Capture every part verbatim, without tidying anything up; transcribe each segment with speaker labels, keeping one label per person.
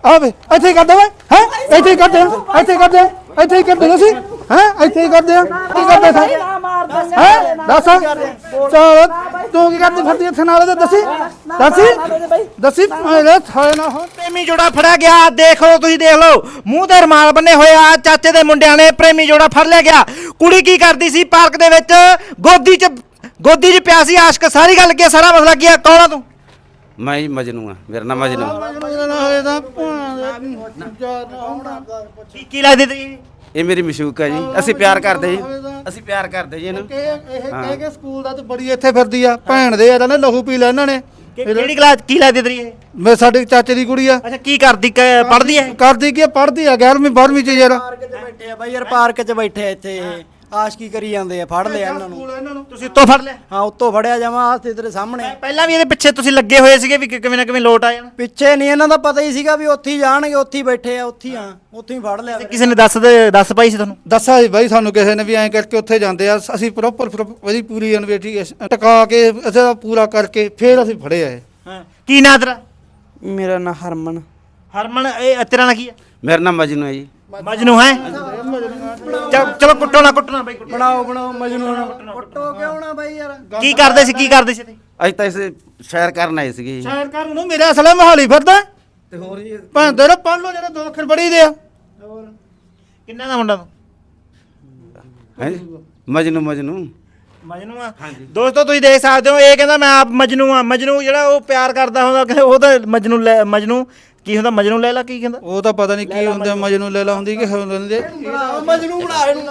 Speaker 1: ਆ ਵੇ ਇੱਥੇ ਹੀ ਕਰਦੇ ਓਏ ਹੈ ਇੱਥੇ ਹੀ ਕਰਦੇ ਆ ਇੱਥੇ ਹੀ ਕਰਦੇ ਆ ਇੱਥੇ ਹੀ ਕਰਦੇ ਅਸੀਂ ਹੈ ਇੱਥੇ ਹੀ ਕਰਦੇ ਆ ਕੀ ਕਰਦੇ ਸਾਂ ਹੈ ਦੱਸ ਚਲ ਤੂੰ ਕੀ ਕਰਦੀ ਫਿਰਦੀ ਇੱਥੇ ਨਾਲ ਦੇ ਦੱਸੀ ਦੱਸੀ ਦੱਸੀ ਮੇਰੇ ਥਾਲੇ ਨਾ ਹੋ
Speaker 2: ਪ੍ਰੇਮੀ ਜੋੜਾ ਫੜਿਆ ਗਿਆ। ਦੇਖ ਲਓ ਤੁਸੀਂ ਦੇਖ ਲਓ ਮੂੰਹ ਤੇ ਰੁਮਾਲ ਬੰਨੇ ਹੋਏ ਆ ਚਾਚੇ ਦੇ ਮੁੰਡਿਆਂ ਨੇ ਪ੍ਰੇਮੀ ਜੋੜਾ ਫੜ ਲਿਆ ਗਿਆ। ਕੁੜੀ ਕੀ ਕਰਦੀ ਸੀ ਪਾਰਕ ਦੇ ਵਿੱਚ ਗੋਦੀ 'ਚ ਗੋਦੀ 'ਚ ਪਿਆ ਸੀ ਆਸ਼ਕ। ਸਾਰੀ ਗੱਲ ਕੀ ਸਾਰਾ ਮਸਲਾ ਕੀ ਆ ਕੌਣ ਆ ਤੂੰ?
Speaker 3: ਮੈਂ ਹੀ ਮਜਨੂ ਆ ਮੇਰਾ ਨਾਮ ਮਜਨੂ
Speaker 2: ਕੀ ਕੀ ਲੱਗਦੀ ਤੇਰੀ?
Speaker 3: ਇਹ ਮੇਰੀ ਮਸ਼ੂਕ ਹੈ ਜੀ ਅਸੀਂ ਪਿਆਰ ਕਰਦੇ ਜੀ ਅਸੀਂ ਪਿਆਰ ਕਰਦੇ ਜੀ ਇਹਨੂੰ
Speaker 1: ਇਹ ਕਹਿ ਕੇ ਸਕੂਲ ਦਾ ਤੇ ਬੜੀ ਇੱਥੇ ਫਿਰਦੀ ਆ ਭੈਣ ਦੇ ਇਹਨਾਂ ਨੇ ਲਹੂ ਪੀ ਲਿਆ ਇਹਨਾਂ ਨੇ
Speaker 2: ਕਿਹੜੀ ਕਲਾਸ ਕੀ ਲੱਗਦੀ ਤੇਰੀ ਇਹ?
Speaker 1: ਮੈਂ ਸਾਡੇ ਚਾਚੇ ਦੀ ਕੁੜੀ ਆ
Speaker 2: ਅੱਛਾ ਕੀ ਕਰਦੀ ਪੜ੍ਹਦੀ ਹੈ?
Speaker 1: ਕਰਦੀ ਕੀ ਪੜ੍ਹਦੀ ਆ ਗਿਆਰਵੀਂ ਬਾਰਵੀਂ ਚ ਯਾਰ
Speaker 4: ਪਾਰਕ 'ਚ ਬੈਠੇ ਆ ਬਾਈ ਯਾਰ ਪਾਰਕ 'ਚ ਬੈਠੇ ਆ ਇੱਥੇ ਇਹ ਆਸ਼ਕੀ ਕਰੀ ਜਾਂਦੇ ਆ ਫੜ ਲਿਆ ਇਹਨਾਂ ਨੂੰ
Speaker 2: ਤੁਸੀਂ ਉੱਤੋਂ ਫੜ ਲਿਆ?
Speaker 4: ਹਾਂ ਉੱਤੋਂ ਫੜਿਆ ਜਾਵਾਂ ਆਹ ਤੇਰੇ ਸਾਹਮਣੇ
Speaker 2: ਪਹਿਲਾਂ ਵੀ ਇਹਦੇ ਪਿੱਛੇ ਤੁਸੀਂ ਲੱਗੇ ਹੋਏ ਸੀਗੇ ਵੀ ਕਿਵੇਂ ਨਾ ਕਿਵੇਂ ਲੋਟ ਆ ਜਾਣਾ।
Speaker 4: ਪਿੱਛੇ ਨਹੀਂ ਇਹਨਾਂ ਦਾ ਪਤਾ ਹੀ ਸੀਗਾ ਵੀ ਉੱਥੇ ਹੀ ਜਾਣਗੇ ਉੱਥੇ ਹੀ ਬੈਠੇ ਆ ਉੱਥੇ ਹੀ ਆ ਉੱਥੇ ਹੀ ਫੜ ਲਿਆ ਫਿਰ।
Speaker 2: ਕਿਸੇ ਨੇ ਦੱਸ ਦੇ ਦੱਸ ਪਾਈ ਸੀ ਤੁਹਾਨੂੰ?
Speaker 1: ਦੱਸਿਆ ਸੀ ਬਾਈ ਸਾਨੂੰ ਕਿਸੇ ਨੇ ਵੀ ਐਂ ਕਰਕੇ ਉੱਥੇ ਜਾਂਦੇ ਆ ਅਸੀਂ ਪ੍ਰੋਪਰ ਉਹਦੀ ਪੂਰੀ ਇਨਵੈਸਟੀਗੇਸ਼ਨ ਟਕਾ ਕੇ ਅਸੀਂ ਪੂਰਾ ਕਰਕੇ ਫਿਰ ਅਸੀਂ ਫੜਿਆ ਇਹ।
Speaker 2: ਹਾਂ ਕੀ ਨਾਂ ਤੇਰਾ?
Speaker 4: ਮੇਰਾ ਨਾਂ ਹਰਮਨ।
Speaker 2: ਹਰਮਨ ਇਹ ਤੇਰਾ ਨਾਂ ਕੀ ਹੈ?
Speaker 3: ਮੇਰਾ ਨਾਮ ਮਜਨੂ ਹੈ ਜੀ
Speaker 2: ਮਜਨੂ ਹੈ? ਚਲੋ ਕੁੱਟੋ ਨਾ ਕੁੱਟੋ ਨਾ ਬਾਈ ਕੁੱਟੋ।
Speaker 4: ਬਣਾਓ ਬਣਾਓ ਮਜਨੂ ਫੋਟੋ ਕਿਉਂ ਨਾ ਬਾਈ ਯਾਰ
Speaker 2: ਕੀ ਕਰਦੇ ਸੀ ਕੀ ਕਰਦੇ ਸੀ?
Speaker 3: ਅਸੀਂ ਤਾਂ ਇਸੇ ਸ਼ਹਿਰ ਕਰਨ ਆਏ ਸੀਗੇ ਜੀ
Speaker 1: ਸ਼ਾਇਰ ਕਰ ਨੂੰ ਮੇਰੇ ਅਸਲੇ ਮਹਾਲੀ ਫਿਰਦਾ
Speaker 3: ਤੇ ਹੋਰ ਜੀ
Speaker 1: ਭੈਣ ਤੇਰੇ ਪੜ੍ਹ ਲੋ ਜਿਹੜੇ ਦੋ ਅੱਖਰ ਬੜੀ ਦੇ ਆ
Speaker 2: ਕਿੰਨਾ ਦਾ ਮੁੰਡਾ ਤੂੰ?
Speaker 3: ਹੈ ਜੀ ਮਜਨੂ ਮਜਨੂ
Speaker 2: ਮਜਨੂ ਆ? ਦੋਸਤੋ ਤੁਸੀਂ ਦੇਖ ਸਕਦੇ ਹੋ ਇਹ ਕਹਿੰਦਾ ਮੈਂ ਆਪ ਮਜਨੂ ਆ। ਮਜਨੂ ਜਿਹੜਾ ਉਹ ਪਿਆਰ ਕਰਦਾ ਹੁੰਦਾ ਕਹਿੰਦੇ ਉਹ ਤਾਂ ਮਜਨੂ ਲੈ ਮਜਨੂ ਕੀ ਹੁੰਦਾ ਮਜਨੂ ਲੈ ਲਾ ਕੀ ਕਹਿੰਦਾ?
Speaker 1: ਉਹ ਤਾਂ ਪਤਾ ਨਹੀਂ ਕੀ ਹੁੰਦਾ ਮਜਨੂ ਲੈਲਾ ਹੁੰਦੀ ਕਿ ਹੁੰਦੇ
Speaker 4: ਮਜਨੂ ਬਣਾ ਇਹਨੂੰ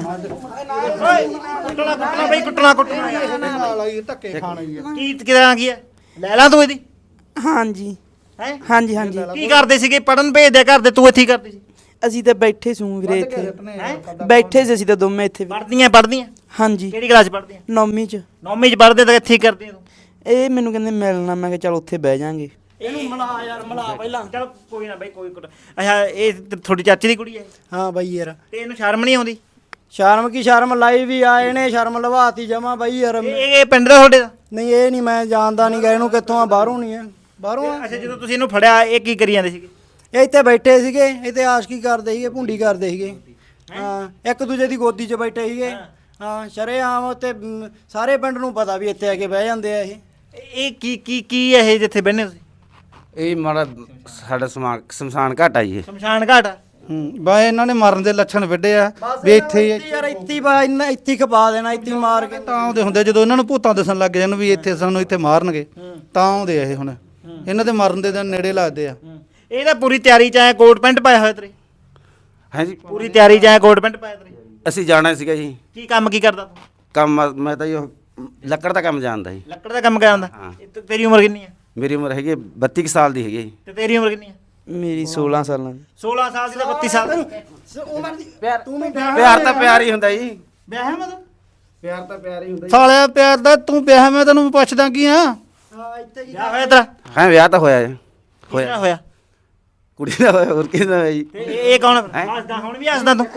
Speaker 2: ਕੁੱਟਣਾ ਕੁੱਟਣਾ ਬਈ ਕੁੱਟਣਾ ਕੁੱਟਣਾ
Speaker 1: ਨਾਲ ਆਈ ਧੱਕੇ ਖਾਣ ਆਈ ਆ
Speaker 2: ਕੀ ਕਿਦਾਂ ਕੀ ਹੈ ਲੈ ਲਾ ਤੂੰ ਇਹਦੀ
Speaker 5: ਹਾਂਜੀ
Speaker 2: ਹੈ?
Speaker 5: ਹਾਂਜੀ ਹਾਂਜੀ
Speaker 2: ਕੀ ਕਰਦੇ ਸੀਗੇ ਪੜਨ ਭੇਜਦੇ ਕਰਦੇ ਤੂੰ ਇੱਥੇ ਹੀ ਕਰਦੀ ਸੀ?
Speaker 5: ਅਸੀਂ ਤਾਂ ਬੈਠੇ ਸੂ ਵੀਰੇ ਇੱਥੇ ਬੈਠੇ ਸੀ ਅਸੀਂ ਤਾਂ ਦੋਵੇਂ ਇੱਥੇ ਵੀ।
Speaker 2: ਪੜਦੀਆਂ ਪੜਦੀਆਂ
Speaker 5: ਹਾਂਜੀ
Speaker 2: ਕਿਹੜੀ ਕਲਾਸ ਪੜਦੀਆਂ?
Speaker 5: ਨੌਵੀਂ ਚ
Speaker 2: ਨੌਵੀਂ ਚ ਪੜਦੇ ਤਾਂ ਇੱਥੇ ਹੀ ਕਰਦੀ ਤੂੰ?
Speaker 5: ਇਹ ਮੈਨੂੰ ਕਹਿੰਦੇ ਮਿਲਣਾ ਮੈਂ ਕਿਹਾ ਚੱਲ ਉੱਥੇ ਬਹਿ ਜਾਾਂਗੇ।
Speaker 2: ਇਹਨੂੰ ਮਿਲਾ ਯਾਰ ਮਿਲਾ ਪਹਿਲਾਂ ਚਲ ਕੋਈ ਨਾ ਬਈ ਕੋਈ ਕੁੱਟ ਅੱਛਾ ਇਹ ਤੇ ਤੁਹਾਡੀ ਚਾਚੀ ਦੀ ਕੁੜੀ ਹੈ
Speaker 4: ਹਾਂ ਬਾਈ ਯਾਰ
Speaker 2: ਤੇ ਇਹਨੂੰ ਸ਼ਰਮ ਨਹੀਂ ਆਉਂਦੀ?
Speaker 4: ਸ਼ਰਮ ਕੀ ਸ਼ਰਮ ਲਾਈ ਵੀ ਆਏ ਨੇ ਸ਼ਰਮ ਲਵਾਤੀ ਜਮਾ ਬਾਈ ਯਾਰ
Speaker 2: ਇਹ ਇਹ ਪਿੰਡ ਦਾ ਤੁਹਾਡੇ ਦਾ?
Speaker 4: ਨਹੀਂ ਇਹ ਨਹੀਂ ਮੈਂ ਜਾਣਦਾ ਨਹੀਂ ਗਾ ਇਹਨੂੰ ਕਿੱਥੋਂ ਆ ਬਾਹਰੋਂ ਨਹੀਂ ਆ ਬਾਹਰੋਂ ਆ
Speaker 2: ਅੱਛਾ ਜਦੋਂ ਤੁਸੀਂ ਇਹਨੂੰ ਫੜਿਆ ਇਹ ਕੀ ਕਰੀ ਜਾਂਦੇ ਸੀਗੇ?
Speaker 4: ਇਹ ਇੱਥੇ ਬੈਠੇ ਸੀਗੇ ਇੱਥੇ ਆਸ਼ਕੀ ਕਰਦੇ ਸੀਗੇ ਭੁੰਡੀ ਕਰਦੇ ਸੀਗੇ ਹਾਂ ਇੱਕ ਦੂਜੇ ਦੀ ਗੋਦੀ 'ਚ ਬੈਠੇ ਸੀਗੇ ਹਾਂ ਸ਼ਰੇਆਮ ਉੱਤੇ ਮ, ਸਾਰੇ ਪਿੰਡ ਨੂੰ ਪਤਾ ਵੀ ਇੱਥੇ ਆ ਕੇ ਬਹਿ ਜਾਂਦੇ ਆ ਇਹ
Speaker 2: ਇਹ ਕੀ ਕੀ ਕੀ ਹੈ ਇਹ ਜਿੱਥੇ ਬਹਿੰਦੇ ਤੁਸੀਂ?
Speaker 3: ਇਹ ਮਾੜਾ ਸਾਡਾ ਸਮਾ ਸ਼ਮਸ਼ਾਨ ਘਾਟ ਆ ਜੀ ਇਹ
Speaker 2: ਸ਼ਮਸ਼ਾਨ ਘਾਟ ਆ?
Speaker 1: ਹੂੰ ਬਾ ਇਹਨਾਂ ਨੇ ਮਰਨ ਦੇ ਲੱਛਣ ਵੱਡੇ ਆ ਵੀ ਇੱਥੇ ਹੀ
Speaker 4: ਯਾਰ ਇੱਥੇ ਹੀ ਬਾ ਇੰਨਾ ਇੱਥੇ ਹੀ ਖਪਾ ਦੇਣਾ ਇੱਥੇ ਹੀ ਮਾਰ ਕੇ
Speaker 1: ਤਾਂ ਆਉਂਦੇ ਹੁੰਦੇ ਜਦੋਂ ਇਹਨਾਂ ਨੂੰ ਭੂਤਾਂ ਦੱਸਣ ਲੱਗ ਜਾਣ ਵੀ ਇੱਥੇ ਸਾਨੂੰ ਇੱਥੇ ਮਾਰਨਗੇ ਤਾਂ ਆਉਂਦੇ ਆ ਇਹ ਹੁਣ ਇਹਨਾਂ ਦੇ ਮਰਨ ਦੇ ਦਿਨ ਨੇੜੇ ਲੱਗਦੇ ਆ
Speaker 2: ਇਹ ਤਾਂ ਪੂਰੀ ਤਿਆਰੀ ਚ ਆਇਆ ਕੋਟ ਪੈਂਟ ਪਾਇਆ ਹੋਇਆ ਤੇਰੇ?
Speaker 3: ਹੈ ਜੀ
Speaker 2: ਪੂਰੀ ਤਿਆਰੀ ਚ ਆਇਆ ਕੋਟ ਪੈਂਟ ਪਾਇਆ ਤੇਰੇ?
Speaker 3: ਅਸੀਂ ਜਾਣਾ ਸੀਗਾ ਜੀ
Speaker 2: ਕੀ ਕੰਮ ਕੀ ਕਰਦਾ ਤੂੰ?
Speaker 3: ਕੰਮ ਮੈਂ ਤਾਂ ਜੀ ਉਹ ਲੱਕੜ ਦਾ ਕੰਮ ਜਾਣਦਾ ਜੀ
Speaker 2: ਲੱਕੜ ਦਾ ਕੰਮ ਕਰਦਾ?
Speaker 3: ਹਾਂ।
Speaker 2: ਤੇ ਤੇਰੀ ਉਮਰ ਕਿੰਨੀ ਹੈ?
Speaker 3: ਮੇਰੀ ਉਮਰ ਹੈਗੀ ਬੱਤੀ ਕੁ ਸਾਲ ਦੀ ਹੈਗੀ ਜੀ
Speaker 2: ਤੇ ਤੇਰੀ ਉਮਰ ਕਿੰਨੀ ਹੈ?
Speaker 5: ਮੇਰੀ ਸੋਲਾਂ ਸਾਲਾਂ ਦੀ।
Speaker 2: ਸੋਲਾਂ ਸਾਲ ਦੀ ਤਾਂ ਬੱਤੀ ਸਾਲ ਦੀ।
Speaker 4: ਤੂੰ ਵੀ
Speaker 3: ਪਿਆਰ ਤਾਂ ਪਿਆਰ ਹੀ ਹੁੰਦਾ ਜੀ
Speaker 2: ਵਿਆਹ ਹੈ ਮਤਲਬ?
Speaker 3: ਪਿਆਰ ਤਾਂ ਪਿਆਰ ਹੀ ਹੁੰਦਾ
Speaker 1: ਸਾਲਿਆ ਪਿਆਰ ਦਾ ਤੂੰ ਵਿਆਹ ਮੈਂ ਤੈਨੂੰ ਪੁੱਛਦਾ ਕੀ ਆ
Speaker 4: ਹਾਂ ਇੱਥੇ ਹੀ
Speaker 2: ਵਿਆਹ ਹੋਇਆ ਤੇਰਾ?
Speaker 3: ਹਾਂ ਵਿਆਹ ਤਾਂ ਹੋਇਆ ਜੀ
Speaker 2: ਹੋਇਆ ਹੋਇਆ
Speaker 3: ਕੁੜੀ ਦਾ ਹੋਇਆ ਹੋਰ ਕਿਹਦਾ ਹੋਇਆ ਜੀ
Speaker 2: ਤੇ ਇਹ ਇਹ ਕੌਣ ਹੱਸਦਾ ਹੁਣ ਵੀ ਹੱਸਦਾ ਤੂੰ?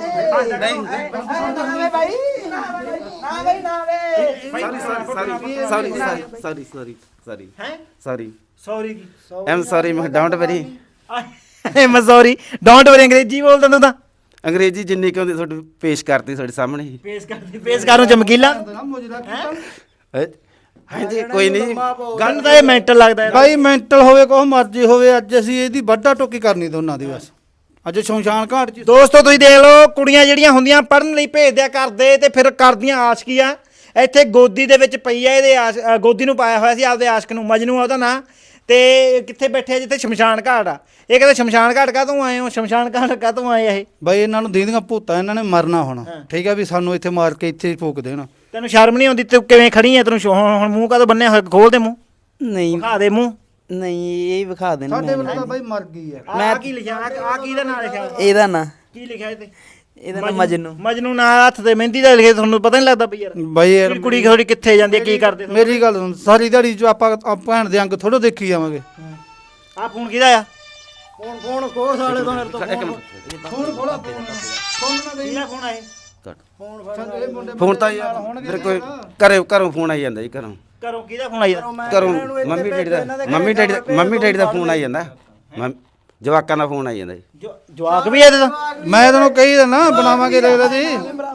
Speaker 3: Sorry sorry sorry sorry sorry
Speaker 2: ਹੈ
Speaker 3: ਸੌਰੀ
Speaker 2: ਸੌਰੀ ਕੀ?
Speaker 3: ਐਮ ਸੌਰੀ ਮੈਂ ਡੋਂਟ ਵਰੀ
Speaker 2: ਆਏ ਮੈਂ ਸੌਰੀ ਡੋਂਟ ਵਰੀ ਅੰਗਰੇਜ਼ੀ ਬੋਲਦਾ ਤੂੰ ਤਾਂ?
Speaker 3: ਅੰਗਰੇਜ਼ੀ ਜਿੰਨੀ ਕਿ ਹੁੰਦੀ ਤੁਹਾਡੀ ਪੇਸ਼ ਕਰਤੀ ਤੁਹਾਡੇ ਸਾਹਮਣੇ ਹੀ
Speaker 2: ਪੇਸ਼ ਕਰਦੀ ਪੇਸ਼ ਕਰੂੰ ਚਮਕੀਲਾ
Speaker 3: ਹੈਂ? ਹਾਂਜੀ ਕੋਈ ਨਹੀਂ
Speaker 2: ਗੱਲ ਤਾਂ ਇਹ ਮੈਂਟਲ ਲੱਗਦਾ ਯਾਰ।
Speaker 1: ਬਾਈ ਮੈਂਟਲ ਹੋਵੇ ਕੋਹ ਮਰਜ਼ੀ ਹੋਵੇ ਅੱਜ ਅਸੀਂ ਇਹਦੀ ਵੱਡਾ ਟੋਕੀ ਕਰਨੀ ਦੋਨਾਂ ਦੀ ਬਸ ਅੱਜ ਸ਼ਮਸ਼ਾਨ ਘਾਟ 'ਚ
Speaker 2: ਦੋਸਤੋ ਤੁਸੀਂ ਦੇਖ ਲਓ ਕੁੜੀਆਂ ਜਿਹੜੀਆਂ ਹੁੰਦੀਆਂ ਪੜਨ ਲਈ ਭੇਜਦਿਆ ਕਰਦੇ ਤੇ ਫਿਰ ਕਰਦੀਆਂ ਆਸ਼ਕੀਆਂ। ਇੱਥੇ ਗੋਦੀ ਦੇ ਵਿੱਚ ਪਈ ਆ ਇਹਦੇ ਆਸ਼ ਅ, ਗੋਦੀ ਨੂੰ ਪਾਇਆ ਹੋਇਆ ਸੀ ਆਪਦੇ ਆਸ਼ਕ ਨੂੰ ਮਜਨੂ ਆ ਉਹਦਾ ਨਾਂ। ਤੇ ਕਿੱਥੇ ਬੈਠੇ ਆ ਜਿੱਥੇ ਸ਼ਮਸ਼ਾਨ ਘਾਟ ਆ। ਇਹ ਕਹਿੰਦੇ ਸ਼ਮਸ਼ਾਨ ਘਾਟ ਕਾਹਤੋਂ ਆਏ ਹੋ ਸ਼ਮਸ਼ਾਨ ਘਾਟ ਕਾਹਤੋਂ ਆਏ ਆ ਇਹ?
Speaker 1: ਬਾਈ ਇਹਨਾਂ ਨੂੰ ਦੀਂਦੀਆਂ ਭੂਤਾਂ ਇਹਨਾਂ ਨੇ ਮਰਨਾ ਹੋਣਾ ਠੀਕ ਆ ਵੀ ਸਾਨੂੰ ਇੱਥੇ ਮਾਰ ਕੇ ਇੱਥੇ ਹੀ ਫੂਕ ਦੇਣਾ
Speaker 2: ਤੈਨੂੰ ਸ਼ਰਮ ਨਹੀਂ ਆਉਂਦੀ ਤੂੰ ਕਿਵੇਂ ਖੜੀ ਆ? ਤੈਨੂੰ ਸ਼ੋ- ਹੁਣ ਹੁਣ ਮੂੰਹ ਕਾਹਤੋਂ ਬੰਨਿਆ ਹੋਇਆ? ਖੋਲ ਦੇ ਮੂੰਹ
Speaker 5: ਨਹੀਂ
Speaker 2: ਦਿਖਾ ਦੇ ਮੂੰਹ।
Speaker 5: ਨਹੀਂ ਇਹ ਵਿਖਾ ਦੇਣਾ
Speaker 1: ਸਾਡੇ
Speaker 5: ਮੈਂ।
Speaker 1: ਵੱਲੋਂ ਤਾਂ ਬਾਈ ਮਰ ਗਈ ਆ
Speaker 2: ਮੈਂ ਕੀ ਲਿਖਿਆ ਆ ਕੀ ਦਾ ਨਾਂ ਲਿਖਿਆ?
Speaker 5: ਇਹਦਾ ਨਾਂ
Speaker 2: ਕੀ ਲਿਖਿਆ ਇਹ ਤੇ?
Speaker 5: ਇਹਦਾ ਨਾਂ ਮਜਨੂ।
Speaker 2: ਮਜਨੂ ਨਾਂ ਹੱਥ ਤੇ ਮਹਿੰਦੀ ਦਾ ਲਿਖਿਆ ਤੁਹਾਨੂੰ ਪਤਾ ਨਹੀਂ ਲੱਗਦਾ ਪਈ ਯਾਰ?
Speaker 1: ਬਾਈ ਯਾਰ
Speaker 2: ਕੁੜੀ ਥੋੜੀ ਕਿੱਥੇ ਜਾਂਦੀ ਹੈ ਕੀ ਕਰਦੇ?
Speaker 1: ਮੇਰੀ ਗੱਲ ਸੁਣ ਸਾਰੀ ਦਿਹਾੜੀ ਚ ਆਪਾਂ ਆਪਾਂ ਭੈਣ ਦੇ ਅੰਗ ਥੋੜੋ ਦੇਖੀ ਜਾਵਾਂਗੇ
Speaker 2: ਆ ਫੋਨ ਕਿਹਦਾ ਆ?
Speaker 4: ਫੋਨ ਫੋਨ ਕੋਸ ਵਾਲੇ ਤੋਂ ਮੇਰੇ ਤੋਂ
Speaker 3: ਇੱਕ ਮਿੰਟ
Speaker 1: ਫੋਨ ਖੋਲਾ ਫੋਨ ਫੋਨ ਨਾ
Speaker 2: ਕਿਹਦਾ ਫੋਨ ਆਏ?
Speaker 3: ਫੋਨ ਤਾਂ ਯਾਰ ਮੇਰੇ ਕੋਈ ਘਰੇ ਘਰੋਂ ਫੋਨ ਆਈ ਜਾਂਦਾ ਜੀ ਘਰੋਂ
Speaker 2: ਘਰੋਂ ਕਿਹਦਾ ਫੋਨ ਆਈ?
Speaker 3: ਘਰੋਂ ਮੰਮੀ ਡੈਡੀ ਦਾ ਮੰਮੀ ਡੈਡੀ ਦਾ ਮੰਮੀ ਡੈਡੀ ਦਾ ਫੋਨ ਆਈ ਜਾਂਦਾ ਮੰਮ- ਜਵਾਕਾਂ ਦਾ ਫੋਨ ਆਈ ਜਾਂਦਾ ਜੀ।
Speaker 2: ਜੋ- ਜਵਾਕ ਵੀ ਇਹਦੇ ਦਾ
Speaker 1: ਮੈਂ ਤੈਨੂੰ ਕਹੀ ਦਿੰਦਾ ਬਣਾਵਾਂਗੇ ਰੇਲ ਦੀ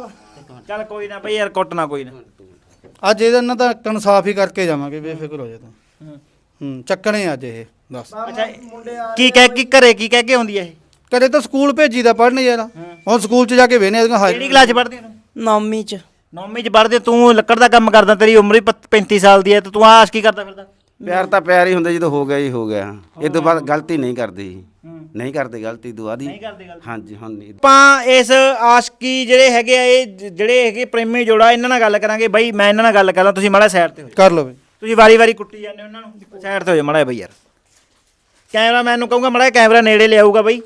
Speaker 2: ਚੱਲ ਕੋਈ ਨਾ ਬਈ ਯਾਰ ਕੁੱਟਣਾ ਕੋਈ ਨਾ।
Speaker 1: ਅੱਜ ਇਹਦੇ ਨਾਲ ਤਾਂ ਇਨਸਾਫ ਹੀ ਕਰਕੇ ਜਾਵਾਂਗੇ, ਬੇਫਿਕਰ ਹੋ ਜਾ ਤੂੰ। ਹੂੰ ਚੱਕਣੇ ਅੱਜ ਇਹ ਦੱਸ।
Speaker 2: ਅੱਛਾ ਕੀ ਕਹਿ ਕੀ ਘਰੇ ਕੀ ਕਹਿ ਕੇ ਆਉਂਦੀ ਹੈ ਇਹ?
Speaker 1: ਕਦੇ ਤਾਂ ਸਕੂਲ ਭੇਜੀ ਦਾ ਪੜ੍ਹਨ ਯਾਰ, ਹੁਣ ਸਕੂਲ 'ਚ ਜਾ ਕੇ ਵੇਨੇ ਇਹਦੀਆਂ
Speaker 2: ਕਿਹੜੀ
Speaker 1: ਹਾਜ਼ਰੀ
Speaker 2: ਕਲਾਸ ਚ ਪੜ੍ਹਦੀ ਤੂੰ?
Speaker 5: ਨੌਵੀਂ ਚ
Speaker 2: ਨੌਵੀਂ ਚ ਪੜ੍ਹਦੀ ਤੂੰ ਲੱਕੜ ਦਾ ਕੰਮ ਕਰਦਾ, ਤੇਰੀ ਉਮਰ ਹੀ ਪ- ਪੈਂਤੀ ਸਾਲ ਦੀ ਹੈ ਤੇ ਤੂੰ ਆਸ਼ ਕੀ ਕਰਦਾ ਫਿਰਦਾ?
Speaker 3: ਪਿਆਰ ਤਾਂ ਪਿਆਰ ਹੀ ਹੁੰਦਾ, ਜਦੋਂ ਹੋ ਗਿਆ ਜੀ ਹੋ ਗਿਆ। ਇਹ ਤੋਂ ਬਾਅਦ ਗਲਤੀ ਨਹੀਂ ਕਰਦੇ ਜੀ, ਨਹੀਂ ਕਰਦੇ ਗਲਤੀ ਤੋਂ ਬਾਅਦ ਹੀ। ਹਾਂਜੀ ਹੁਣ ਨਹੀਂ।
Speaker 2: ਆਪਾਂ ਇਸ ਆਸ਼ਕੀ ਜਿਹੜੇ ਹੈਗੇ ਆ ਇਹ ਜ- ਜਿਹੜੇ ਹੈਗੇ ਪ੍ਰੇਮੀ ਜੋੜਾ ਇਹਨਾਂ ਨਾਲ ਗੱਲ ਕਰਾਂਗੇ ਬਈ। ਮੈਂ ਇਹਨਾਂ ਨਾਲ ਗੱਲ ਕਰਾਂ, ਤੁਸੀਂ ਮਾੜਾ ਸਾਈਡ ਤੇ ਹੋ ਜਾਓ।
Speaker 1: ਕਰ ਲਓ ਬਈ।
Speaker 2: ਤੁਸੀਂ ਵਾਰੀ ਵਾਰੀ ਕੁੱਟੀ ਜਾਂਦੇ ਹੋ ਇਹਨਾਂ ਨੂੰ, ਸਾਈਡ ਤੇ ਹੋ ਜਾ ਮਾੜਾ ਬਈ ਯਾਰ। ਕੈਮਰਾਮੈਨ ਨੂੰ ਕਹੂੰਗਾ ਮਾੜਾ ਕੈਮਰਾ ਨੇੜੇ ਲਿਆਊਗਾ ਬਈ।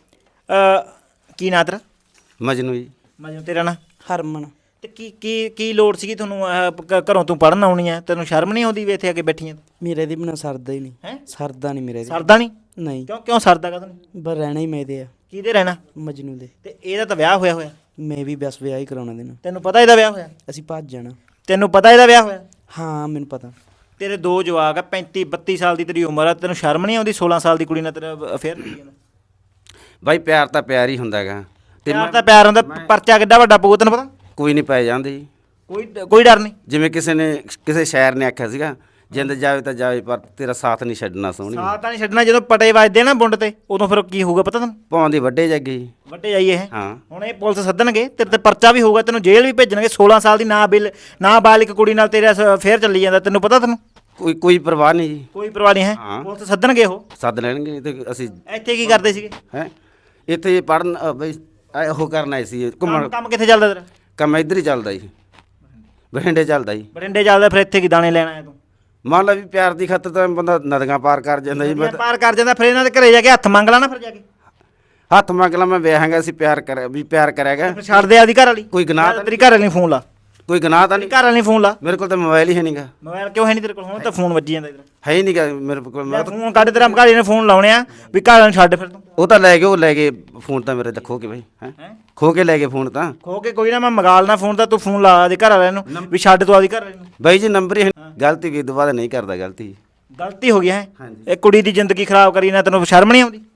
Speaker 2: ਅ ਕੀ ਨਾਂ ਤੇਰਾ?
Speaker 3: ਮਜਨੂ ਜੀ।
Speaker 2: ਮਜਨੂੰ ਤੇਰਾ ਨਾਂ?
Speaker 5: ਹਰਮਨ
Speaker 2: ਤੇ ਕੀ ਕੀ ਕੀ ਲੋੜ ਸੀਗੀ ਤੁਹਾਨੂੰ ਆਹ ਕ- ਘਰੋਂ ਤੂੰ ਪੜਨ ਆਉਣੀ ਆ, ਤੈਨੂੰ ਸ਼ਰਮ ਨਹੀਂ ਆਉਂਦੀ ਵੀ ਇੱਥੇ ਆ ਕੇ ਬੈਠੀਆਂ?
Speaker 5: ਮੇਰੇ ਦੀ ਬਿਨਾ ਸਰਦਾ ਹੀ ਨਹੀਂ
Speaker 2: ਹੈਂ?
Speaker 5: ਸਰਦਾ ਨਹੀਂ ਮੇਰੇ ਦੀ
Speaker 2: ਸਰਦਾ ਨਹੀਂ?
Speaker 5: ਨਹੀਂ
Speaker 2: ਕਿਉਂ ਕਿਉਂ ਸਰਦਾ ਕਦੋਂ ਨਹੀਂ?
Speaker 5: ਬਸ ਰਹਿਣਾ ਹੀ ਮੇਰੇ ਆ
Speaker 2: ਕਿਹਦੇ ਰਹਿਣਾ?
Speaker 5: ਮਜਨੂ ਦੇ।
Speaker 2: ਤੇ ਇਹਦਾ ਤਾਂ ਵਿਆਹ ਹੋਇਆ ਹੋਇਆ,
Speaker 5: ਮੈਂ ਵੀ ਬਸ ਵਿਆਹ ਹੀ ਕਰਾਉਣਾ ਦੇਣਾ।
Speaker 2: ਤੈਨੂੰ ਪਤਾ ਇਹਦਾ ਵਿਆਹ ਹੋਇਆ?
Speaker 5: ਅਸੀਂ ਭੱਜ ਜਾਣਾ।
Speaker 2: ਤੈਨੂੰ ਪਤਾ ਇਹਦਾ ਵਿਆਹ ਹੋਇਆ?
Speaker 5: ਹਾਂ ਮੈਨੂੰ ਪਤਾ।
Speaker 2: ਤੇਰੇ ਦੋ ਜਵਾਕ ਆ, ਪੈਂਤੀ ਬੱਤੀ ਸਾਲ ਦੀ ਤੇਰੀ ਉਮਰ ਆ, ਤੈਨੂੰ ਸ਼ਰਮ ਨਹੀਂ ਆਉਂਦੀ ਸੋਲਾਂ ਸਾਲ ਦੀ ਕੁੜੀ ਨਾਲ ਤੇਰਾ ਅਫੇਅਰ ਕਰੀ ਜਾਂਦਾ?
Speaker 3: ਬਾਈ ਪਿਆਰ ਤਾਂ ਪਿਆਰ ਹੀ ਹੁੰਦਾ ਹੈਗਾ, ਤੇ
Speaker 2: ਪਿਆਰ ਤਾਂ ਪਿਆਰ ਹੁੰਦਾ, ਪਰਚਾ ਕਿੱਡਾ ਵੱਡਾ ਪਊ ਤੈਨੂੰ ਪਤਾ?
Speaker 3: ਕੋਈ ਨਹੀਂ ਪੈ ਜਾਂਦੇ ਜੀ।
Speaker 2: ਕੋਈ ਕੋਈ ਡਰ ਨਹੀਂ।
Speaker 3: ਜਿਵੇਂ ਕਿਸੇ ਨੇ ਕਿਸੇ ਸ਼ਾਇਰ ਨੇ ਆਖਿਆ ਸੀਗਾ, ਜਿੰਦ ਜਾਵੇ ਤਾਂ ਜਾਵੇ ਪਰ ਤੇਰਾ ਸਾਥ ਨਹੀਂ ਛੱਡਣਾ ਸੋਹਣੀ।
Speaker 2: ਸਾਥ ਤਾਂ ਨਹੀਂ ਛੱਡਣਾ, ਜਦੋਂ ਪਟੇ ਵੱਜਦੇ ਨਾ ਬੁੰਡ ਤੇ ਉਦੋਂ ਫਿਰ ਕੀ ਹੋਊਗਾ ਪਤਾ ਤੈਨੂੰ?
Speaker 3: ਪਾਉਂਦੀ ਵੱਡੇ ਜੱਗੇ ਜੀ।
Speaker 2: ਵੱਡੇ ਜਾਈਏ ਇਹ
Speaker 3: ਹਾਂ
Speaker 2: ਹੁਣ ਇਹ ਪੁਲਿਸ ਸੱਦਣਗੇ, ਤੇਰੇ ਤੇ ਪਰਚਾ ਵੀ ਹੋਊਗਾ, ਤੈਨੂੰ ਜੇਲ੍ਹ ਵੀ ਭੇਜਣਗੇ। ਸੋਲਾਂ ਸਾਲ ਦੀ ਨਾ ਬਿਲ ਨਾ ਬਾਲਿਕ ਕੁੜੀ ਨਾਲ ਤੇਰਾ ਅਫੇਅਰ ਚੱਲੀ ਜਾਂਦਾ, ਤੈਨੂੰ ਪਤਾ? ਤੈਨੂੰ
Speaker 3: ਕੋਈ ਕੋਈ ਪਰਵਾਹ ਨਹੀਂ ਜੀ।
Speaker 2: ਕੋਈ ਪਰਵਾਹ ਨਹੀਂ ਹੈ?
Speaker 3: ਹਾਂ।
Speaker 2: ਪੁਲਿਸ ਸੱਦਣਗੇ ਉਹ।
Speaker 3: ਸੱਦ ਲੈਣਗੇ ਤੇ ਅਸੀਂ
Speaker 2: ਇੱਥੇ ਕੀ ਕਰਦੇ ਸੀਗੇ?
Speaker 3: ਹੈ ਇੱਥੇ ਪੜਨ ਬਈ ਆਹ ਉਹ ਕਰਨਾ ਸੀ
Speaker 2: ਕੰਮ
Speaker 3: ਘੁੰਮਣ।
Speaker 2: ਕੰਮ ਕਿੱਥੇ ਚੱਲਦਾ ਤੇਰਾ?
Speaker 3: ਕੰਮ ਇੱਧਰ ਹੀ ਚੱਲਦਾ ਜੀ, ਬਠਿੰਡੇ ਚੱਲਦਾ ਜੀ।
Speaker 2: ਬਰਿੰਡੇ ਚੱਲਦਾ, ਫਿਰ ਇੱਥੇ ਕੀ ਦਾਣੇ ਲੈਣ ਆਇਆ ਤੂੰ?
Speaker 3: ਮੰਨ ਲਾ ਵੀ ਪਿਆਰ ਦੀ ਖਾਤਰ ਤਾਂ ਬੰਦਾ ਨਦੀਆਂ ਪਾਰ ਕਰ ਜਾਂਦਾ ਜੀ। ਮੈਂ
Speaker 2: ਨਦੀਆਂ ਪਾਰ ਕਰ ਜਾਂਦਾ, ਫਿਰ ਇਹਨਾਂ ਦੇ ਘਰੇ ਜਾ ਕੇ ਹੱਥ ਮੰਗ ਲਾ ਨਾ ਫਿਰ ਜਾ ਕੇ।
Speaker 3: ਹੱਥ ਮੰਗ ਲਾ, ਮੈਂ ਵਿਆਹਾਂਗਾ ਅਸੀਂ ਪਿਆਰ ਕਰ ਵੀ ਪਿਆਰ ਕਰਿਆਗਾ।
Speaker 2: ਫਿਰ ਛੱਡ ਦੇ ਆਦੀ ਘਰ ਵਾਲੀ।
Speaker 3: ਕੋਈ ਗੁਨਾਹ ਤਾਂ
Speaker 2: ਤੇਰੀ ਘਰ ਵਾਲੀ ਨੂੰ ਫੋਨ ਲਾ,
Speaker 3: ਕੋਈ ਗੁਨਾਹ ਤਾਂ
Speaker 2: ਤੇਰੀ
Speaker 3: ਨਹੀਂ।
Speaker 2: ਘਰ ਵਾਲੀ ਨੂੰ ਫੋਨ ਲਾ।
Speaker 3: ਮੇਰੇ ਕੋਲ ਤਾਂ ਮੋਬਾਈਲ ਹੀ ਹੈ ਨਹੀਂਗਾ।
Speaker 2: ਮੋਬਾਈਲ ਕਿਉਂ ਹੈ ਨਹੀਂ ਤੇਰੇ ਕੋਲ? ਹੁਣ ਤਾਂ ਫੋਨ ਵੱਜੀ ਜਾਂਦਾ ਇਧਰ।
Speaker 3: ਹੈ ਹੀ ਨਹੀਂਗਾ ਮੇਰੇ ਕੋਲ। ਮੈਂ ਤਾਂ-
Speaker 2: ਫੋਨ ਕੱਢ, ਤੇਰਾ ਘਰ ਵਾਲੀ ਨੇ ਫੋਨ ਲਾਉਣੇ ਆ ਵੀ ਘਰ ਵਾਲੀ ਨੂੰ ਛੱਡ ਫਿਰ ਤੂੰ।
Speaker 3: ਉਹ ਤਾਂ ਲੈ ਗਏ, ਉਹ ਲੈ ਗਏ ਫੋਨ ਤਾਂ ਮੇਰੇ ਤਾਂ ਖੋ ਕੇ ਬਈ। ਹੈ
Speaker 2: ਹੈਂ?
Speaker 3: ਖੋ ਕੇ ਲੈ ਗਏ ਫੋਨ ਤਾਂ।
Speaker 2: ਖੋ ਕੇ ਕੋਈ ਨਾ, ਮੈਂ ਮੰਗਾ ਲੈਣਾ ਫੋਨ ਤਾਂ, ਤੂੰ ਫੋਨ ਲਾ ਆਦੇ ਘਰ ਵਾਲਿਆਂ ਨੂੰ ਵੀ ਛੱਡ ਤੂੰ ਆਦੀ ਘਰ ਵਾਲੀ ਨੂੰ।
Speaker 3: ਬਾਈ ਜੀ ਨੰਬਰ ਹੀ ਗਲਤੀ ਕੀ ਦੁਬਾਰਾ ਨਹੀਂ ਕਰਦਾ ਗਲਤੀ।
Speaker 2: ਗਲਤੀ ਹੋ ਗਈ ਹੈ
Speaker 3: ਹਾਂਜੀ।
Speaker 2: ਇਹ ਕੁੜੀ ਦੀ ਜ਼ਿੰਦਗੀ ਖਰਾਬ ਕਰੀ ਨਾ, ਤੈਨੂੰ ਸ਼ਰਮ ਨਹੀਂ ਆਉਂਦੀ?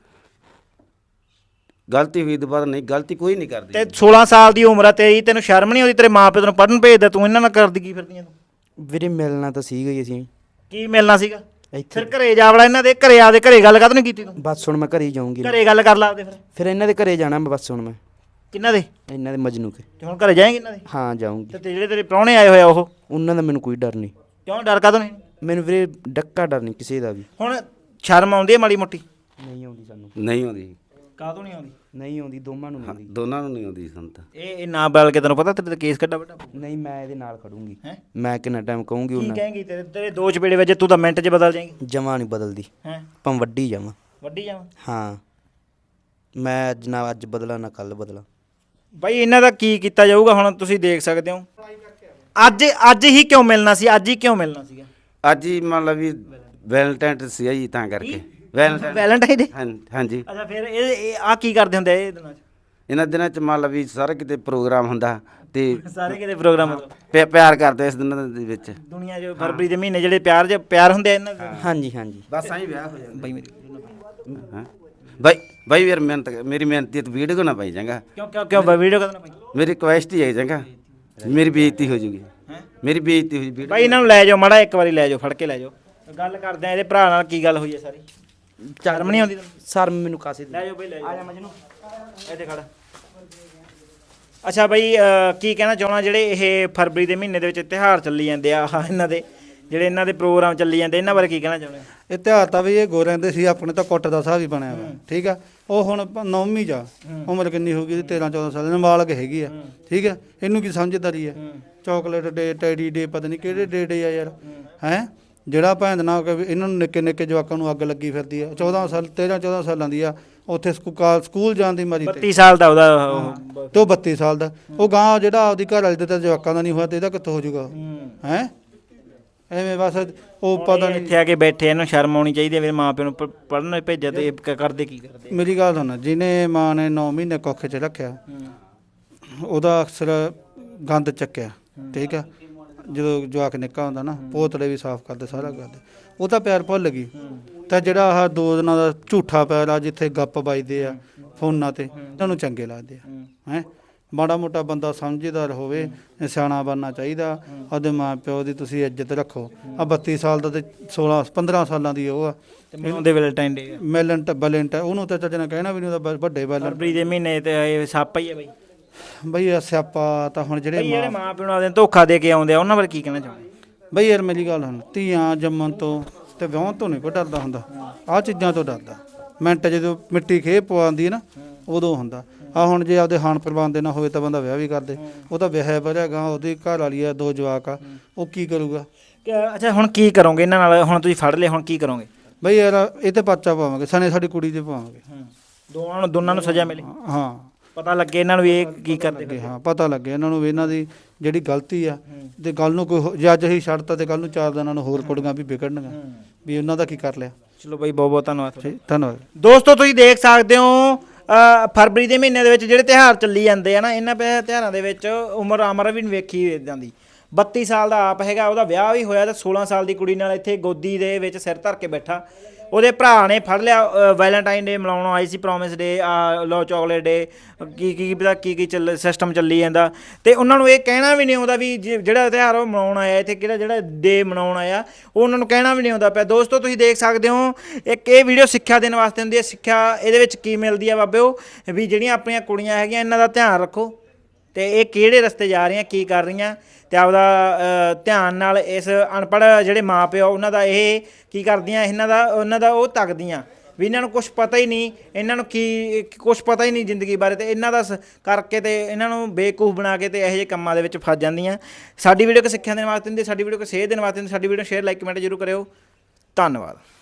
Speaker 3: ਗਲਤੀ ਹੋਈ ਦੁਬਾਰਾ ਨਹੀਂ, ਗਲਤੀ ਕੋਈ ਨਹੀਂ ਕਰਦੀ।
Speaker 2: ਤੇ ਸੋਲਾਂ ਸਾਲ ਦੀ ਉਮਰ ਆ ਤੇਰੀ, ਤੈਨੂੰ ਸ਼ਰਮ ਨਹੀਂ ਆਉਂਦੀ? ਤੇਰੇ ਮਾਂ ਪਿਓ ਤੈਨੂੰ ਪੜਨ ਭੇਜਦਾ, ਤੂੰ ਇਹਨਾਂ ਨਾਲ ਕਰਦੀ ਕੀ ਫਿਰਦੀਆਂ ਤੂੰ?
Speaker 5: ਵੀਰੇ ਮਿਲਣਾ ਤਾਂ ਸੀਗਾ ਹੀ ਅਸੀਂ
Speaker 2: ਕੀ ਮਿਲਣਾ ਸੀਗਾ?
Speaker 5: ਇੱਥੇ
Speaker 2: ਫਿਰ ਘਰੇ ਜਾ ਵੜਾ ਇਹਨਾਂ ਦੇ ਘਰੇ, ਆਦੇ ਘਰੇ ਗੱਲ ਕਾਹਤੋਂ ਨਹੀਂ ਕੀਤੀ ਤੂੰ?
Speaker 5: ਬਸ ਹੁਣ ਮੈਂ ਘਰੇ ਹੀ ਜਾਊਂਗੀ।
Speaker 2: ਘਰੇ ਗੱਲ ਕਰ ਲਾ ਆਪਦੇ ਫਿਰ।
Speaker 5: ਫਿਰ ਇਹਨਾਂ ਦੇ ਘਰੇ ਜਾਣਾ ਮੈਂ ਬਸ ਹੁਣ ਮੈਂ
Speaker 2: ਕਿੰਨਾ ਦੇ?
Speaker 5: ਇਹਨਾਂ ਦੇ ਮਜਨੂ ਕੇ।
Speaker 2: ਤੇ ਹੁਣ ਘਰੇ ਜਾਏਂਗੇ ਇਹਨਾਂ ਦੇ?
Speaker 5: ਹਾਂ ਜਾਊਂਗੀ।
Speaker 2: ਤੇ ਤੇ ਜਿਹੜੇ ਤੇਰੇ ਪ੍ਰਾਹੁਣੇ ਆਏ ਹੋਏ ਆ ਉਹ
Speaker 5: ਉਹਨਾਂ ਦਾ ਮੈਨੂੰ ਕੋਈ ਡਰ ਨਹੀਂ।
Speaker 2: ਕਿਉਂ ਡਰ ਕਾਹਤੋਂ ਨਹੀਂ?
Speaker 5: ਮੈਨੂੰ ਵੀਰੇ ਡੱਕਾ ਡਰ ਨਹੀਂ ਕਿਸੇ ਦਾ ਵੀ।
Speaker 2: ਹੁਣ ਸ਼ਰਮ ਆਉਂਦੀ ਹੈ ਮਾੜੀ ਮੋਟੀ?
Speaker 5: ਨਹੀਂ ਆਉਂਦੀ ਸਾਨੂੰ।
Speaker 3: ਨਹੀਂ ਆਉਂਦੀ।
Speaker 2: ਕਾਹਤੋਂ ਨਹੀਂ ਆਉਂਦੀ?
Speaker 5: ਨਹੀਂ ਆਉਂਦੀ, ਦੋਵਾਂ ਨੂੰ ਨਹੀਂ ਆਉਂਦੀ।
Speaker 3: ਦੋਨਾਂ ਨੂੰ ਨਹੀਂ ਆਉਂਦੀ ਸਾਨੂੰ ਤਾਂ।
Speaker 2: ਇਹ ਇਹ ਨਾ ਬਲ ਕੇ ਤੈਨੂੰ ਪਤਾ ਤੇਰੇ ਤੇ ਕੇਸ ਕੱਢਾ ਵੱਡਾ
Speaker 5: ਨਹੀਂ ਮੈਂ ਇਹਦੇ ਨਾਲ ਖੜੂੰਗੀ।
Speaker 2: ਹੈ?
Speaker 5: ਮੈਂ ਕਿੰਨਾ ਟਾਈਮ ਕਹੂੰਗੀ
Speaker 2: ਕੀ
Speaker 5: ਉਹਨਾਂ
Speaker 2: ਕਹੇਂਗੀ? ਤੇਰੇ ਤੇਰੇ ਦੋ ਚਪੇੜੇ ਵਜੇ ਤੂੰ ਤਾਂ ਮਿੰਟ 'ਚ ਬਦਲ ਜਾਏਂਗੀ।
Speaker 5: ਜਮਾ ਨਹੀਂ ਬਦਲਦੀ।
Speaker 2: ਹੈ?
Speaker 5: ਭਾਵੇਂ ਵੱਡੀ ਜਾਵਾਂ।
Speaker 2: ਵੱਡੀ ਜਾਵਾਂ?
Speaker 5: ਹਾਂ ਮੈਂ ਅੱਜ ਨਾ ਅੱਜ ਬਦਲਾ ਨਾ ਕੱਲ ਬਦਲਾ।
Speaker 2: ਬਾਈ ਇਹਨਾਂ ਦਾ ਕੀ ਕੀਤਾ ਜਾਊਗਾ ਹੁਣ ਤੁਸੀਂ ਦੇਖ ਸਕਦੇ ਹੋ। ਅੱਜ ਅੱਜ ਹੀ ਕਿਉਂ ਮਿਲਣਾ ਸੀ? ਅੱਜ ਹੀ ਕਿਉਂ ਮਿਲਣਾ ਸੀਗਾ?
Speaker 3: ਅੱਜ ਹੀ ਮੰਨ ਲਾ ਵੀ ਵੈਲੈਂਟਾਈਨ ਸੀ ਜੀ, ਤਾਂ ਕਰਕੇ ਵੈਲੈਂਟਾਈਨ।
Speaker 2: Valentine day?
Speaker 3: ਹਾਂ ਹਾਂਜੀ।
Speaker 2: ਅੱਛਾ ਫਿਰ ਇਹ ਆ ਕੀ ਕਰਦੇ ਹੁੰਦੇ ਆ ਇਹ ਦਿਨਾਂ 'ਚ?
Speaker 3: ਇਹਨਾਂ ਦਿਨਾਂ ਚ ਮੰਨ ਲਾ ਵੀ ਸਾਰਾ ਕਿਤੇ ਪ੍ਰੋਗਰਾਮ ਹੁੰਦਾ ਤੇ
Speaker 2: ਸਾਰੇ ਕਿਤੇ ਪ੍ਰੋਗਰਾਮ ਮਤਲਬ
Speaker 3: ਪਿਆ- ਪਿਆਰ ਕਰਦੇ ਇਸ ਦਿਨਾਂ ਦੇ ਵਿੱਚ।
Speaker 2: ਦੁਨੀਆ 'ਚ ਫਰਵਰੀ ਦੇ ਮਹੀਨੇ ਜਿਹੜੇ ਪਿਆਰ ਜੇ ਪਿਆਰ ਹੁੰਦੇ ਆ ਇਹਨਾਂ ਦੇ।
Speaker 5: ਹਾਂਜੀ ਹਾਂਜੀ।
Speaker 3: ਬਸ ਆਈ ਵਿਆਹ ਹੋ ਜਾਂਦਾ
Speaker 2: ਬਾਈ ਮੇਰੀ
Speaker 3: ਹਾਂ ਬਾਈ ਬਾਈ ਯਾਰ ਮਿਹਨਤ ਮੇਰੀ ਮਿਹਨਤੀ ਤੇ ਵੀਡੀਓ ਨਾ ਪਾਈ ਜਾਂਗਾ।
Speaker 2: ਕਿਉਂ ਕਿਉਂ ਕਿਉਂ ਵੀਡੀਓ ਕਦੋਂ ਪਾਈ?
Speaker 3: ਮੇਰੀ ਰਿਕੁਐਸਟ ਹੀ ਹੈ ਜਾਂਗਾ, ਮੇਰੀ ਬੇਇੱਜ਼ਤੀ ਹੋ ਜੂਗੀ।
Speaker 2: ਹੈਂ?
Speaker 3: ਮੇਰੀ ਬੇਇੱਜ਼ਤੀ ਹੋ ਜੂਗੀ।
Speaker 2: ਬਾਈ ਇਹਨਾਂ ਨੂੰ ਲੈ ਜਾਓ ਮਾੜਾ, ਇੱਕ ਵਾਰੀ ਲੈ ਜਾਓ, ਫੜ ਕੇ ਲੈ ਜਾਓ, ਗੱਲ ਕਰਦੇ ਆ ਇਹਦੇ ਭਰਾ ਨਾਲ ਕੀ ਗੱਲ ਹੋਈ ਹੈ ਸਾਰੀ। ਸ਼ਰਮ ਨਹੀਂ ਆਉਂਦੀ ਤੈਨੂੰ?
Speaker 5: ਸਰ ਮੈਨੂੰ ਕਾਸੇ
Speaker 2: ਲੈ ਜਾਓ ਬਈ ਲੈ ਜਾਓ। ਆ ਜਾ ਮਜਨੂੰ ਇੱਥੇ ਖੜ। ਅੱਛਾ ਬਈ ਅਹ, ਕੀ ਕਹਿਣਾ ਚਾਹਣਾ ਜਿਹੜੇ ਇਹ ਫਰਵਰੀ ਦੇ ਮਹੀਨੇ ਦੇ ਵਿੱਚ ਤਿਉਹਾਰ ਚੱਲੀ ਜਾਂਦੇ ਆ ਆਹ ਇਹਨਾਂ ਦੇ ਜਿਹੜੇ ਇਹਨਾਂ ਦੇ ਪ੍ਰੋਗਰਾਮ ਚੱਲੀ ਜਾਂਦੇ, ਇਹਨਾਂ ਬਾਰੇ ਕੀ ਕਹਿਣਾ ਚਾਹੁੰਦੇ?
Speaker 1: ਇਹ ਤਿਉਹਾਰ ਤਾਂ ਵੀ ਇਹ ਗੋਰਿਆਂ ਦੇ ਸੀ, ਆਪਣੇ ਤਾਂ ਕੁੱਟ ਦਾ ਸਾਹ ਵੀ ਬਣਿਆ ਵਾ। ਠੀਕ ਆ, ਉਹ ਹੁਣ ਪ- ਨੌਵੀਂ ਜਾ ਉਮਰ ਕਿੰਨੀ ਹੋ ਗਈ ਇਹਦੀ? ਤੇਰਾਂ ਚੌਦਾਂ ਸਾਲ ਨਾਬਾਲਗ ਹੈਗੀ ਆ। ਠੀਕ ਆ, ਇਹਨੂੰ ਕੀ ਸਮਝਦਾਰੀ ਆ? ਚਾਕਲੇਟ ਡੇ, ਟੈਡੀ ਡੇ, ਪਤਾ ਨਹੀਂ ਕਿਹੜੇ ਡੇ ਡੇ ਆ ਯਾਰ। ਹੈ ਜਿਹੜਾ ਭੈਣ ਨਾ ਕਿ ਇਹਨਾਂ ਨੂੰ ਨਿੱਕੇ ਨਿੱਕੇ ਜਵਾਕਾਂ ਨੂੰ ਅੱਗ ਲੱਗੀ ਫਿਰਦੀ ਆ। ਚੌਦਾਂ ਸਾਲ ਤੇਰਾਂ ਚੌਦਾਂ ਸਾਲਾਂ ਦੀ ਆ, ਉੱਥੇ ਸਕੂਲ ਸਕੂਲ ਜਾਣ ਦੀ ਮਰੀ ਤੇ
Speaker 2: ਬੱਤੀ ਸਾਲ ਦਾ ਉਹਦਾ ਉਹ।
Speaker 1: ਤੇ ਉਹ ਬੱਤੀ ਸਾਲ ਦਾ। ਉਹ ਗਾਂ ਜਿਹੜਾ ਆਪਦੀ ਘਰ ਵਾਲੀ ਦੇ ਤਾਂ ਜਵਾਕਾਂ ਦਾ ਨਹੀਂ ਹੋਇਆ ਤੇ ਇਹਦਾ ਕਿੱਥੋਂ ਹੋ ਜਾਊਗਾ? ਹੈ ਐਵੇਂ ਬਸ ਉਹ ਪਤਾ ਨਹੀਂ।
Speaker 2: ਇੱਥੇ ਆ ਕੇ ਬੈਠੇ, ਇਹਨੂੰ ਸ਼ਰਮ ਆਉਣੀ ਚਾਹੀਦੀ ਹੈ ਵੀ ਮਾਂ ਪਿਓ ਨੂੰ ਪੜ੍ਹਨ ਭੇਜਿਆ ਤੇ ਇਹ ਕ- ਕਰਦੇ ਕੀ ਕਰਦੇ?
Speaker 1: ਮੇਰੀ ਗੱਲ ਸੁਣ, ਜਿਹਨੇ ਮਾਂ ਨੇ ਨੌ ਮਹੀਨੇ ਕੁੱਖ 'ਚ ਰੱਖਿਆ ਉਹਦਾ ਅਕਸਰ ਗੰਦ ਚੱਕਿਆ। ਠੀਕ ਆ, ਜਦੋਂ ਜਵਾਕ ਨਿੱਕਾ ਹੁੰਦਾ ਨਾ ਪੋਤੜੇ ਵੀ ਸਾਫ਼ ਕਰਦੇ, ਸਾਰਾ ਕਰਦੇ। ਉਹ ਤਾਂ ਪਿਆਰ ਭੁੱਲ ਗਈ ਤਾਂ ਜਿਹੜਾ ਆਹ ਦੋ ਦਿਨਾਂ ਦਾ ਝੂਠਾ ਪਿਆਰ ਆ ਜਿੱਥੇ ਗੱਪ ਵੱਜਦੇ ਆ ਫੋਨਾਂ ਤੇ ਇਹਨਾਂ ਨੂੰ ਚੰਗੇ ਲੱਗਦੇ ਆ ਹੈ ਮਾੜਾ ਮੋਟਾ ਬੰਦਾ ਸਮਝਦਾਰ ਹੋਵੇ ਸਿਆਣਾ ਬਣਨਾ ਚਾਹੀਦਾ ਉਹਦੇ ਮਾਂ ਪਿਓ ਦੀ ਤੁਸੀਂ ਇੱਜ਼ਤ ਰੱਖੋ ਆ ਬੱਤੀ ਸਾਲ ਦਾ ਤੇ ਸੋਲਾਂ ਪੰਦਰਾਂ ਸਾਲਾਂ ਦੀ ਉਹ ਆ
Speaker 2: ਉਹਦੇ ਵੈਲੈਂਟਾਈਨ ਡੇ
Speaker 1: ਮੈਲੈਂਟ ਬੈਲੈਂਟ ਉਹਨੂੰ ਤਾਂ ਚੱਜ ਨਾਲ ਕਹਿਣਾ ਵੀ ਨਹੀਂ ਉਹਦਾ ਵੱਡੇ ਬੈਲੈਂਟ
Speaker 2: ਫਰਵਰੀ ਦੇ ਮਹੀਨੇ ਤੇ ਇਹ ਸੱਪ ਹੀ ਹੈ ਬਈ
Speaker 1: ਬਈ ਇਹ ਸਿਆਪਾ ਤਾਂ ਹੁਣ ਜਿਹੜੇ
Speaker 2: ਬਈ ਜਿਹੜੇ
Speaker 1: ਮਾਂ
Speaker 2: ਮਾਂ ਪਿਓ ਨੂੰ ਆਪਦੇ ਧੋਖਾ ਦੇ ਕੇ ਆਉਂਦੇ ਆ ਉਹਨਾਂ ਬਾਰੇ ਕੀ ਕਹਿਣਾ ਚਾਹੁੰਦੇ
Speaker 1: ਬਈ ਯਾਰ ਮੇਰੀ ਗੱਲ ਹੁਣ ਧੀਆਂ ਜੰਮਣ ਤੋਂ ਤੇ ਵਿਆਹ ਤੋਂ ਨਹੀਂ ਕੋਈ ਡਰਦਾ ਹੁੰਦਾ ਆਹ ਚੀਜ਼ਾਂ ਤੋਂ ਡਰਦਾ ਮਿੰਟ ਜਦੋਂ ਮਿੱਟੀ ਖੇ ਪਵਾਉਂਦੀ ਹੈ ਨਾ ਉਦੋਂ ਹੁੰਦਾ ਆ ਹੁਣ ਜੇ ਆਪਦੇ ਹਾਨ ਪ੍ਰਵਾਨ ਦੇ ਨਾ ਹੋਵੇ ਤਾਂ ਬੰਦਾ ਵਿਆਹ ਵੀ ਕਰਦੇ ਉਹ ਤਾਂ ਵਿਆਹ ਭਰਿਆਗਾ ਉਹਦੀ ਘਰ ਵਾਲੀ ਆ ਦੋ ਜਵਾਕ ਆ ਉਹ ਕੀ ਕਰੂਗਾ
Speaker 2: ਅੱਛਾ ਹੁਣ ਕੀ ਕਰੋਗੇ ਇਹਨਾਂ ਨਾਲ ਹੁਣ ਤੁਸੀਂ ਫੜ ਲਏ ਹੁਣ ਕੀ ਕਰੋਗੇ
Speaker 1: ਬਈ ਯਾਰ ਇਹ ਤੇ ਪਰਚਾ ਪਾਵਾਂਗੇ ਸਣੇ ਸਾਡੀ ਕੁੜੀ ਤੇ ਪਾਵਾਂਗੇ
Speaker 2: ਦੋਵਾਂ ਨੂੰ ਦੋਨਾਂ ਨੂੰ ਸਜ਼ਾ ਮਿਲੇ
Speaker 1: ਹਾਂ
Speaker 2: ਪਤਾ ਲੱਗੇ ਇਹਨਾਂ ਨੂੰ ਵੀ ਇਹ ਕੀ ਕਰਦੇ
Speaker 1: ਕਿ ਹਾਂ ਪਤਾ ਲੱਗੇ ਇਹਨਾਂ ਨੂੰ ਵੀ ਇਹਨਾਂ ਦੀ ਜਿਹੜੀ ਗਲਤੀ ਆ ਤੇ ਗੱਲ ਨੂੰ ਕੋਈ ਹੋ- ਜੇ ਅੱਜ ਅਸੀਂ ਛੱਡਤਾ ਤੇ ਕੱਲ ਨੂੰ ਚਾਰ ਦਿਨਾਂ ਨੂੰ ਹੋਰ ਕੁੜੀਆਂ ਵੀ ਵਿਗੜਨਗੀਆਂ ਵੀ ਉਹਨਾਂ ਦਾ ਕੀ ਕਰ ਲਿਆ
Speaker 2: ਚਲੋ ਬਾਈ ਬਹੁਤ ਬਹੁਤ ਧੰਨਵਾਦ ਤੁਹਾਡਾ।
Speaker 1: ਠੀਕ ਧੰਨਵਾਦ
Speaker 2: ਦੋਸਤੋ ਤੁਸੀਂ ਦੇਖ ਸਕਦੇ ਹੋ ਅ, ਫਰਵਰੀ ਦੇ ਮਹੀਨੇ ਦੇ ਵਿੱਚ ਜਿਹੜੇ ਤਿਉਹਾਰ ਚੱਲੀ ਜਾਂਦੇ ਆ ਨਾ ਇਹਨਾਂ ਪ- ਤਿਉਹਾਰਾਂ ਦੇ ਵਿੱਚ ਉਮਰ ਅਮਰ ਵੀ ਨਹੀਂ ਵੇਖੀ ਜਾਂਦੀ ਬੱਤੀ ਸਾਲ ਦਾ ਆਪ ਹੈਗਾ ਉਹਦਾ ਵਿਆਹ ਵੀ ਹੋਇਆ ਤੇ ਸੋਲਾਂ ਸਾਲ ਦੀ ਕੁੜੀ ਨਾਲ ਇੱਥੇ ਗੋਦੀ ਦੇ ਵਿੱਚ ਸਿਰ ਧਰ ਕੇ ਬੈਠਾ ਉਹਦੇ ਭਰਾ ਨੇ ਫੜ ਲਿਆ ਵੈਲੈਂਟਾਈਨ ਡੇ ਮਨਾਉਣ ਆਈ ਸੀ ਪ੍ਰੋਮਿਸ ਡੇ ਲੋ ਚਾਕਲੇਟ ਡੇ ਕੀ ਕੀ ਪਤਾ ਕੀ ਕੀ ਚੱਲ ਸਿਸਟਮ ਚੱਲੀ ਜਾਂਦਾ ਤੇ ਉਹਨਾਂ ਨੂੰ ਇਹ ਕਹਿਣਾ ਵੀ ਨਹੀਂ ਆਉਂਦਾ ਵੀ ਜੇ- ਜਿਹੜਾ ਤਿਉਹਾਰ ਉਹ ਮਨਾਉਣ ਆਇਆ ਇੱਥੇ ਕਿਹੜਾ ਜਿਹੜਾ ਡੇ ਮਨਾਉਣ ਆਇਆ ਉਹ ਉਹਨਾਂ ਨੂੰ ਕਹਿਣਾ ਵੀ ਨਹੀਂ ਆਉਂਦਾ ਪਿਆ ਦੋਸਤੋ ਤੁਸੀਂ ਦੇਖ ਸਕਦੇ ਹੋ ਇੱਕ ਇਹ ਵੀਡੀਓ ਸਿੱਖਿਆ ਦੇਣ ਵਾਸਤੇ ਹੁੰਦੀ ਹੈ ਸਿੱਖਿਆ ਇਹਦੇ ਵਿੱਚ ਕੀ ਮਿਲਦੀ ਆ ਬਾਬਿਓ ਵੀ ਜਿਹੜੀਆਂ ਆਪਣੀਆਂ ਕੁੜੀਆਂ ਹੈਗੀਆਂ ਇਹਨਾਂ ਦਾ ਧਿਆਨ ਰੱਖੋ ਤੇ ਇਹ ਕਿਹੜੇ ਰਸਤੇ ਜਾ ਰਹੀਆਂ ਕੀ ਕਰ ਰਹੀਆਂ ਤੇ ਆਪਦਾ ਅ, ਧਿਆਨ ਨਾਲ ਇਸ ਅਨਪੜ੍ਹ ਜਿਹੜੇ ਮਾਂ ਪਿਓ ਉਹਨਾਂ ਦਾ ਇਹ ਕੀ ਕਰਦੀਆਂ ਇਹਨਾਂ ਦਾ ਉਹਨਾਂ ਦਾ ਉਹ ਤੱਕਦੀਆਂ ਵੀ ਇਹਨਾਂ ਨੂੰ ਕੁਝ ਪਤਾ ਹੀ ਨਹੀਂ ਇਹਨਾਂ ਨੂੰ ਕੀ ਕੁਝ ਪਤਾ ਹੀ ਨਹੀਂ ਜ਼ਿੰਦਗੀ ਬਾਰੇ ਤੇ ਇਹਨਾਂ ਦਾ ਸ- ਕਰਕੇ ਤੇ ਇਹਨਾਂ ਨੂੰ ਬੇਵਕੂਫ ਬਣਾ ਕੇ ਤੇ ਇਹੋ ਜਿਹੇ ਕੰਮਾਂ ਦੇ ਵਿੱਚ ਫਸ ਜਾਂਦੀਆਂ ਸਾਡੀ ਵੀਡੀਓ ਕੋ ਸਿੱਖਿਆ ਦੇਣ ਵਾਸਤੇ ਹੁੰਦੀ ਸਾਡੀ ਵੀਡੀਓ ਕੋ ਸੇਧ ਦੇਣ ਵਾਸਤੇ ਹੁੰਦੀ ਸਾਡੀ ਵੀਡੀਓ ਸ਼ੇਅਰ ਲਾਈਕ ਕਮੈਂਟ ਜ਼ਰੂਰ ਕਰਿਓ ਧੰਨਵਾਦ।